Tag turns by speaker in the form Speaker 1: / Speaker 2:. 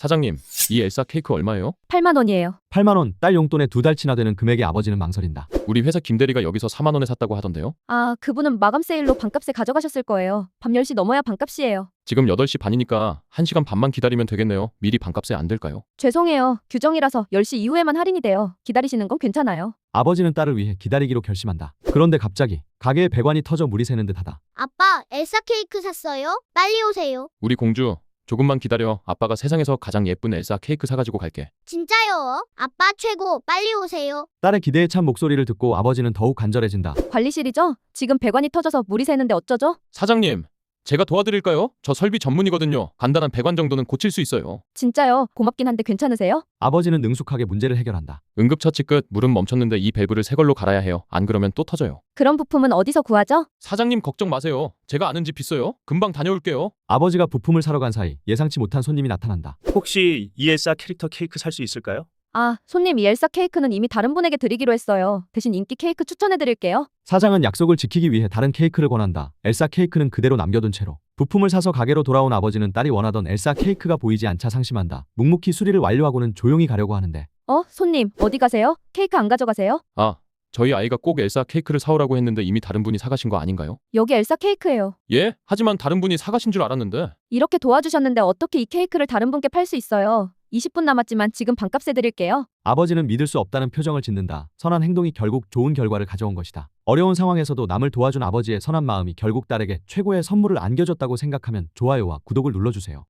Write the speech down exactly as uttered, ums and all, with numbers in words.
Speaker 1: 사장님, 이 엘사 케이크 얼마예요?
Speaker 2: 팔만 원이에요.
Speaker 3: 팔만 원, 딸 용돈에 두 달치나 되는 금액에 아버지는 망설인다.
Speaker 1: 우리 회사 김대리가 여기서 사만 원에 샀다고 하던데요?
Speaker 2: 아, 그분은 마감 세일로 반값에 가져가셨을 거예요. 밤 열 시 넘어야 반값이에요.
Speaker 1: 지금 여덟 시 반이니까 한 시간 반만 기다리면 되겠네요. 미리 반값에 안 될까요?
Speaker 2: 죄송해요. 규정이라서 열 시 이후에만 할인이 돼요. 기다리시는 건 괜찮아요.
Speaker 3: 아버지는 딸을 위해 기다리기로 결심한다. 그런데 갑자기 가게에 배관이 터져 물이 새는 듯하다.
Speaker 4: 아빠, 엘사 케이크 샀어요? 빨리 오세요.
Speaker 1: 우리 공주, 조금만 기다려. 아빠가 세상에서 가장 예쁜 엘사 케이크 사가지고 갈게.
Speaker 4: 진짜요? 아빠 최고, 빨리 오세요.
Speaker 3: 딸의 기대에 찬 목소리를 듣고 아버지는 더욱 간절해진다.
Speaker 2: 관리실이죠? 지금 배관이 터져서 물이 새는데 어쩌죠?
Speaker 1: 사장님, 제가 도와드릴까요? 저 설비 전문이거든요. 간단한 배관 정도는 고칠 수 있어요.
Speaker 2: 진짜요? 고맙긴 한데 괜찮으세요?
Speaker 3: 아버지는 능숙하게 문제를 해결한다.
Speaker 1: 응급처치 끝. 물은 멈췄는데 이 밸브를 새 걸로 갈아야 해요. 안 그러면 또 터져요.
Speaker 2: 그런 부품은 어디서 구하죠?
Speaker 1: 사장님 걱정 마세요. 제가 아는 집 있어요. 금방 다녀올게요.
Speaker 3: 아버지가 부품을 사러 간 사이 예상치 못한 손님이 나타난다.
Speaker 5: 혹시 이 엘사 캐릭터 케이크 살 수 있을까요?
Speaker 2: 아, 손님 이 엘사 케이크는 이미 다른 분에게 드리기로 했어요. 대신 인기 케이크 추천해드릴게요.
Speaker 3: 사장은 약속을 지키기 위해 다른 케이크를 권한다. 엘사 케이크는 그대로 남겨둔 채로 부품을 사서 가게로 돌아온 아버지는 딸이 원하던 엘사 케이크가 보이지 않자 상심한다. 묵묵히 수리를 완료하고는 조용히 가려고 하는데
Speaker 2: 어, 손님 어디 가세요? 케이크 안 가져가세요?
Speaker 1: 아, 저희 아이가 꼭 엘사 케이크를 사오라고 했는데 이미 다른 분이 사가신 거 아닌가요?
Speaker 2: 여기 엘사 케이크예요.
Speaker 1: 예? 하지만 다른 분이 사가신 줄 알았는데.
Speaker 2: 이렇게 도와주셨는데 어떻게 이 케이크를 다른 분께 팔 수 있어요? 이십 분 남았지만 지금 반값에 드릴게요.
Speaker 3: 아버지는 믿을 수 없다는 표정을 짓는다. 선한 행동이 결국 좋은 결과를 가져온 것이다. 어려운 상황에서도 남을 도와준 아버지의 선한 마음이 결국 딸에게 최고의 선물을 안겨줬다고 생각하면 좋아요와 구독을 눌러주세요.